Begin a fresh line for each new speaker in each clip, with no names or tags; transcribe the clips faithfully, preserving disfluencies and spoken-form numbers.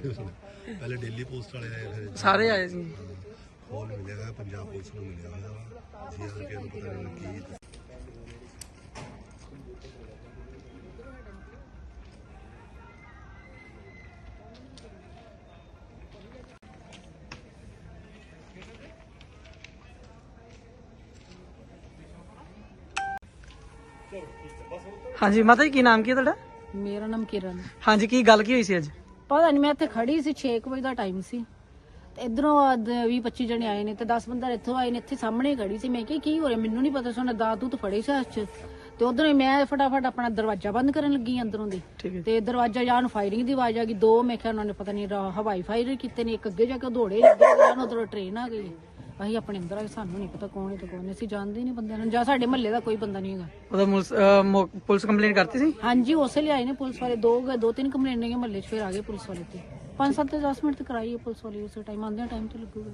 ਪਹਿਲੇ daily post ਵਾਲੇ ਆਏ, ਫਿਰ
ਸਾਰੇ ਆਏ ਸੀ।
ਖੋਲ ਮਿਲਿਆ ਹੋਇਆ ਪੰਜਾਬ ਪੁਲਿਸ ਨੂੰ ਮਿਲਿਆ ਹੋਇਆ ਜੀ, ਆ ਕੇ ਪਤਾ ਨਹੀਂ ਕੀ।
ਹਾਂਜੀ ਮਾਤਾ ਜੀ, ਕੀ ਨਾਮ ਕੀ ਹੈ ਤੁਹਾਡਾ?
ਮੇਰਾ ਨਾਮ ਕਿਰਨ।
ਹਾਂਜੀ, ਕੀ ਗੱਲ ਕੀ ਹੋਈ ਸੀ ਅੱਜ?
ਪਤਾ ਨਹੀਂ, ਮੈਂ ਇੱਥੇ ਖੜੀ ਸੀ, ਛੇ ਕੁ ਵਜੇ ਦਾ ਟਾਈਮ ਸੀ ਤੇ ਇਧਰੋਂ ਵੀਹ ਪੱਚੀ ਜਣੇ ਆਏ ਨੇ ਤੇ ਦਸ ਬੰਦੇ ਇੱਥੋਂ ਆਏ ਨੇ। ਇੱਥੇ ਸਾਹਮਣੇ ਖੜੀ ਸੀ, ਮੈਂ ਕਿਹਾ ਕੀ ਹੋ ਰਿਹਾ, ਮੈਨੂੰ ਨਹੀਂ ਪਤਾ ਸੀ। ਉਹਨੇ ਦਾਤੂ ਤਾਂ ਫੜੇ ਸੀ ਹੱਥ 'ਚ ਤੇ ਉਧਰੋਂ ਹੀ ਮੈਂ ਫਟਾਫਟ ਆਪਣਾ ਦਰਵਾਜ਼ਾ ਬੰਦ ਕਰਨ ਲੱਗੀ ਅੰਦਰੋਂ ਦੀ, ਤੇ ਦਰਵਾਜ਼ਾ ਜਾਂ ਨੂੰ ਫਾਇਰਿੰਗ ਦੀ ਆਵਾਜ਼ ਆ ਗਈ। ਦੋ ਮੈਂ ਕਿਹਾ ਉਹਨਾਂ ਨੇ ਪਤਾ ਨਹੀਂ ਹਵਾਈ ਫਾਇਰ ਕੀਤੇ ਨੇ, ਇੱਕ ਅੱਗੇ ਜਾ ਕੇ ਦੌੜੇ ਲੱਗੇ, ਉਧਰੋਂ ਟ੍ਰੇਨ ਆ ਗਈ। ਅਸੀਂ ਆਪਣੇ ਅੰਦਰ ਆ, ਸਾਨੂੰ ਨਹੀਂ ਪਤਾ ਕੌਣ ਹੈ ਤੇ ਕੌਣ ਨਹੀਂ, ਅਸੀਂ ਜਾਣਦੇ ਨਹੀਂ ਬੰਦਿਆਂ ਨੂੰ, ਜਾਂ ਸਾਡੇ ਮਹੱਲੇ ਦਾ ਕੋਈ ਬੰਦਾ ਨਹੀਂ ਹੈਗਾ।
ਉਹਦਾ ਪੁਲਿਸ ਕੰਪਲੇਂਟ ਕਰਤੀ ਸੀ?
ਹਾਂਜੀ, ਉਸੇ ਲਈ ਆਏ ਨੇ ਪੁਲਿਸ ਵਾਲੇ, ਦੋ ਦੋ ਤਿੰਨ ਕੰਪਲੇਂਟ ਨੇ ਮਹੱਲੇ 'ਚ, ਫਿਰ ਆ ਗਏ ਪੁਲਿਸ ਵਾਲੇ ਤੇ ਪੰਜ ਸੱਤ ਦਸ ਮਿੰਟ ਤੇ ਕਰਾਈ ਹੈ ਪੁਲਿਸ ਵਾਲੇ, ਉਸੇ ਟਾਈਮ ਆਉਂਦੇ ਟਾਈਮ ਤੇ ਲੱਗੂਗਾ।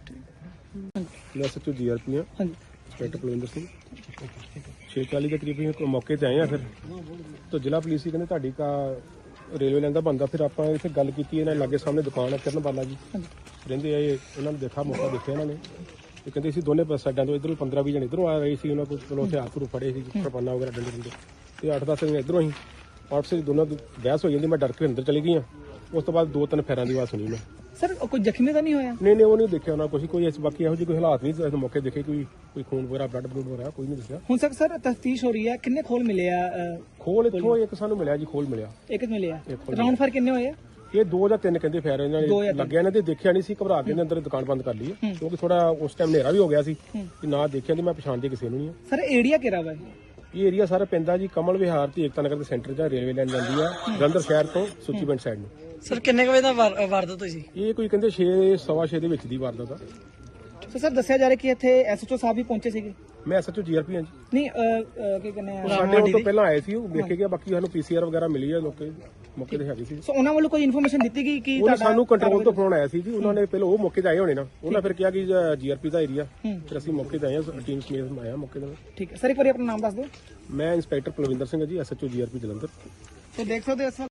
ਮੈਂ ਸੱਚੋ ਜੀ ਆਰ ਪੀ ਹਾਂ, ਇੰਸਪੈਕਟਰ ਕੁਲਵਿੰਦਰ ਸਿੰਘ। ਛੇ ਚਾਲੀ ਦੇ ਕਰੀਬ ਅਸੀਂ ਮੌਕੇ ਤੇ ਆਏ ਆ, ਫਿਰ ਤੋਂ ਜ਼ਿਲ੍ਹਾ ਪੁਲਿਸ ਹੀ ਕਹਿੰਦੇ ਤੁਹਾਡੀ ਕਾ ਰੇਲਵੇ ਲਾਈਨ ਦਾ ਬੰਦਾ। ਫਿਰ ਆਪਾਂ ਇੱਥੇ ਗੱਲ ਕੀਤੀ, ਇਹਨਾਂ ਲਾਗੇ ਸਾਹਮਣੇ ਦੁਕਾਨ ਹੈ ਕਿਰਨ ਬਾਲਾ ਜੀ ਰਹਿੰਦੇ ਆ, ਇਹਨਾਂ ਨੂੰ ਦੇਖਾ ਮੌਕਾ ਦੇਖਿਆ ਇਹਨਾਂ ਨੇ, ਇਹ ਕਹਿੰਦੇ ਸੀ ਦੋਨੇ ਸਾਈਡਾਂ ਤੋਂ ਇੱਧਰੋਂ ਪੰਦਰਾਂ ਵੀਹ ਜਣੇ ਇੱਧਰੋਂ ਆ ਰਹੇ ਸੀ, ਉਹਨਾਂ ਕੋਲ ਚਲੋ ਹਥਿਆਰ ਹਥਿਆਰ ਫੜੇ ਸੀ, ਕਿਰਪਾਨਾਂ ਵਗੈਰਾ ਡੰਡੇ ਡੰਡੇ, ਤੇ ਅੱਠ ਦਸ ਜਣੇ ਇੱਧਰੋਂ ਹੀ ਆਪਸ ਵਿੱਚ ਦੋਨਾਂ ਦੀ ਬਹਿਸ ਹੋ ਜਾਂਦੀ। ਮੈਂ ਡਰ ਕੇ ਅੰਦਰ ਚਲੀ ਗਈ ਹਾਂ। ਉਸ ਤੋਂ ਬਾਅਦ ਦੋ ਤਿੰਨ ਫੇਰਾਂ ਦੀ ਆਵਾਜ਼ ਸੁਣੀ ਮੈਂ।
ਸਰ ਕੋਈ ਜ਼ਖਮੀ ਤਾਂ ਨਹੀਂ ਹੋਇਆ?
ਨਹੀਂ ਨਹੀਂ, ਉਹ ਨਹੀਂ ਦੇਖਿਆ ਉਹਨਾਂ ਕੁਛ, ਕੋਈ ਬਾਕੀ ਇਹੋ ਜਿਹੇ ਕੋਈ ਹਾਲਾਤ ਨਹੀਂ ਮੌਕੇ ਦੇਖੇ, ਕੋਈ ਕੋਈ ਖੂਨ ਵਗੈਰਾ ਬਲੱਡ ਬਲੂਡ ਵਗੈਰਾ ਕੋਈ ਨਹੀਂ ਦੱਸਿਆ।
ਹੁਣ ਤੱਕ ਸਰ ਤਫਤੀਸ਼ ਹੋ ਰਹੀ ਹੈ, ਕਿੰਨੇ ਖੋਲ ਮਿਲੇ ਆ?
ਖੋਲ ਇੱਥੋਂ ਇੱਕ ਸਾਨੂੰ ਮਿਲਿਆ ਜੀ, ਖੋਲ ਮਿਲਿਆ
ਇੱਕ ਮਿਲਿਆ। ਰਾਉਂਡ ਫਾਇਰ ਕਿੰਨੇ ਹੋਏ ਆ?
ਇਹ ਦੋ ਜਾਂ ਤਿੰਨ ਕਹਿੰਦੇ ਫੇਰ ਇਹਨਾਂ ਨੇ ਲੱਗਿਆ, ਇਹਨਾਂ ਦੇ ਦੇਖਿਆ ਨਹੀਂ ਸੀ, ਘਬਰਾ ਕੇ ਅੰਦਰ ਦੁਕਾਨ ਬੰਦ ਕਰ ਲਈ, ਕਿਉਂਕਿ ਥੋੜਾ ਉਸ ਟਾਈਮ ਹਨੇਰਾ ਵੀ ਹੋ ਗਿਆ ਸੀ, ਕਿ ਨਾ ਦੇਖਿਆ ਤੇ ਮੈਂ ਪਛਾਣਦੇ ਕਿਸੇ ਨੂੰ ਨਹੀਂ।
ਸਰ ਏਰੀਆ ਕਿਹੜਾ ਵਾ?
ਇਹ ਏਰੀਆ ਸਾਰਾ ਪੈਂਦਾ ਜੀ ਕਮਲ ਵਿਹਾਰ ਤੇ ਏਕਤਾ ਨਗਰ ਦੇ ਸੈਂਟਰ 'ਚ, ਰੇਲਵੇ ਲਾਈਨ ਜਾਂਦੀ ਆ ਜਲੰਧਰ ਸ਼ਹਿਰ ਤੋਂ ਸੁੱਚੀ ਪਿੰਡ ਸਾਈਡ ਨੂੰ।
ਸਰ ਕਿੰਨੇ ਵਜੇ ਦਾ ਵਾਰਦਾਤ ਹੋਈ ਸੀ?
ਇਹ ਕੋਈ ਕਹਿੰਦੇ ਛੇ ਸਵਾ ਛੇ ਦੇ ਵਿੱਚ ਦੀ ਵਾਰਦਾਤ ਆ।
ਸੋ ਸਰ ਦੱਸਿਆ ਜਾ ਰਿਹਾ ਕਿ ਇੱਥੇ ਐਸਐਚਓ ਸਾਹਿਬ ਵੀ ਪਹੁੰਚੇ ਸੀਗੇ?
ਮੈਂ ਐਸਐਚਓ ਜੀ ਆਰ ਪੀ ਹਾਂ ਜੀ।
ਨਹੀਂ ਕੀ ਕਹਿੰਦੇ ਆ,
ਸਾਡੇ ਉਹ ਤੋਂ ਪਹਿਲਾਂ ਆਏ ਸੀ, ਉਹ ਦੇਖੇ ਗਿਆ, ਬਾਕੀ ਸਾਨੂੰ ਪੀਸੀਆਰ ਵਗੈਰਾ ਮਿਲੀ ਆ, ਲੋਕੇ ਮੌਕੇ ਤੇ ਹੈਗੀ ਸੀ।
ਸੋ ਉਹਨਾਂ ਵੱਲੋਂ ਕੋਈ ਇਨਫੋਰਮੇਸ਼ਨ ਦਿੱਤੀ ਗਈ ਕਿ
ਉਹਨਾਂ ਸਾਨੂੰ ਕੰਟਰੋਲ ਤੋਂ ਫੋਨ ਆਇਆ ਸੀ ਜੀ, ਉਹਨਾਂ ਨੇ ਪਹਿਲਾਂ ਉਹ ਮੌਕੇ ਤੇ ਆਏ ਹੋਣੇ ਨਾ, ਉਹਨਾਂ ਫਿਰ ਕਿਹਾ ਕਿ ਜੀ ਆਰ ਪੀ ਦਾ ਏਰੀਆ, ਫਿਰ ਅਸੀਂ ਮੌਕੇ ਤੇ ਆਏ ਹਾਂ, ਟੀਮ ਸਮੇਤ ਆਇਆ ਮੌਕੇ ਤੇ।
ਠੀਕ ਹੈ ਸਰ, ਇੱਕ ਵਾਰੀ ਆਪਣਾ ਨਾਮ ਦੱਸ ਦਿਓ।
ਮੈਂ ਇੰਸਪੈਕਟਰ ਕੁਲਵਿੰਦਰ ਸਿੰਘ ਜੀ, ਐਸਐਚਓ ਜੀ ਆਰ ਪੀ ਜਲੰਧਰ।
ਸੋ ਦੇਖ ਸਕਦੇ ਹੋ